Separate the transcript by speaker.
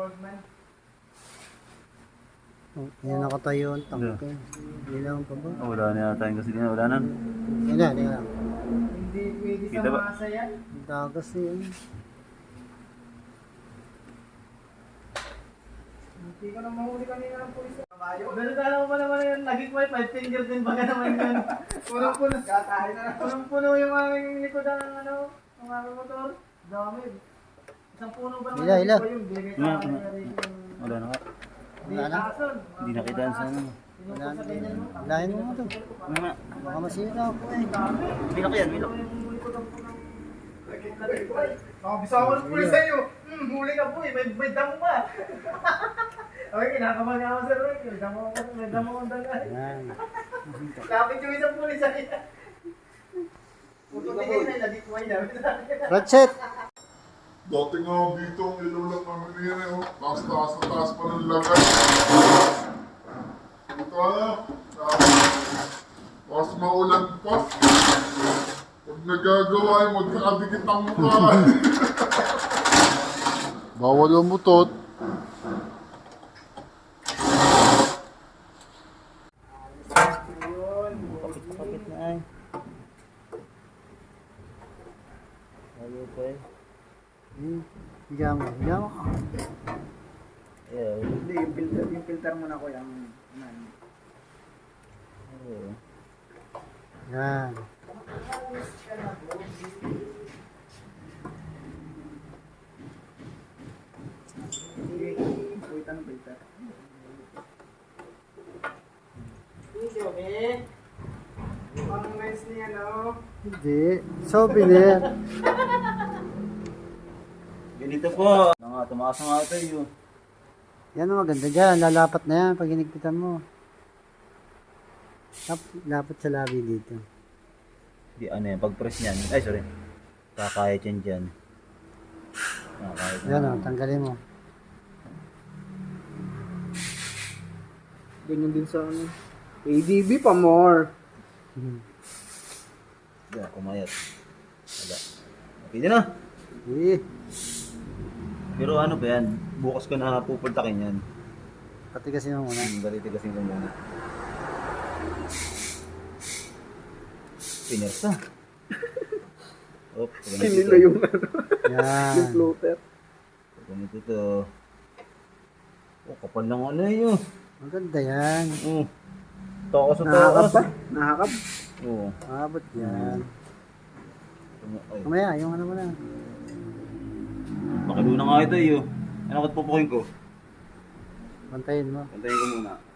Speaker 1: Oh, yan nakatayo ang tangke. Ilaw pa ba?
Speaker 2: Oh, wala na yata yung gasolina. Wala na.
Speaker 1: Yan na, yan na.
Speaker 3: Hindi pwede
Speaker 2: Kita
Speaker 3: sa
Speaker 2: ba?
Speaker 3: masa yan.
Speaker 1: Ang dagas yun.
Speaker 3: Hindi ko na mahuli kanina ng pulis. Ganun ka lang pa naman yun. Lagi ko ay 5 finger din baga naman yun. Punong-puno. Kakain na. Punong-puno yung aming likodan ng ano, ng aming motor. Dami. Isang puno ba naman?
Speaker 1: Ila.
Speaker 3: Yung bigay sa
Speaker 2: Wala.
Speaker 3: akin na rin yung...
Speaker 2: Wala na nga.
Speaker 1: Wala na.
Speaker 2: Hindi nakitaan sa ano.
Speaker 1: Wala na. Lahin mo ito.
Speaker 2: Ano nga?
Speaker 1: Baka masira ako eh.
Speaker 2: Milok yan, milok.
Speaker 3: Bisawan ng pulis sa'yo. Huli ka po eh. May damo ka. Okay, kinakaman nga ako sir. May damo kong daga.
Speaker 1: Yan.
Speaker 3: Kapit yung isang pulis sa'yo. Puto tingin na nagikuhay namin sa akin.
Speaker 1: Ratchet!
Speaker 4: Dati nga dito ang ilaw lang namin yan eh. Taas-taas na taas pa ng lagay. Ito na. Mas maulan pa. Huwag nagagawa eh. Magkakadikit ang mukha. Bawal ang mutot.
Speaker 2: Kapit na ay. Lalo pa eh.
Speaker 1: Bigyan mo. Bigyan mo.
Speaker 2: Yeah.
Speaker 3: Hindi, yung filter mo na ko yung...
Speaker 2: Oo.
Speaker 1: Yan.
Speaker 3: Wait, ano filter? Parang nice niya, no?
Speaker 1: Hindi. Souvenir.
Speaker 2: Ganito po. Tumakas na nga ito yun.
Speaker 1: Yan ang maganda dyan. Lalapat na yan pag hinigpitan mo. Lapat sa labi dito.
Speaker 2: Di ano yan, pag-press niyan. Ay, sorry. Kakayat yan dyan. Kakayat na.
Speaker 1: Yan o, tanggalin mo.
Speaker 3: Ganyan din sa ano. ADB pa more.
Speaker 2: Yan, kumayat. Wala. Okay din na.
Speaker 1: Eh,
Speaker 2: Pero ano ba yan? Bukas ko na pupultakin yan.
Speaker 1: patigasin mo muna.
Speaker 2: Baliti kasi ko muna. Pinersa.
Speaker 3: Sinila yung ano.
Speaker 1: Yan.
Speaker 3: Yung floater.
Speaker 2: Ganito to. Oh, kapal lang ano yun.
Speaker 1: Maganda yan.
Speaker 2: Takas sa
Speaker 3: Nakakap
Speaker 2: takas.
Speaker 3: ba? Nakakap?
Speaker 2: Oo.
Speaker 1: Abot yan.
Speaker 2: Ay,
Speaker 1: Mamaya, yung ano mo na.
Speaker 2: makiluna nga ito eh. Ano ka't pupukin ko?
Speaker 1: Pantayin mo.
Speaker 2: Pantayin ko muna.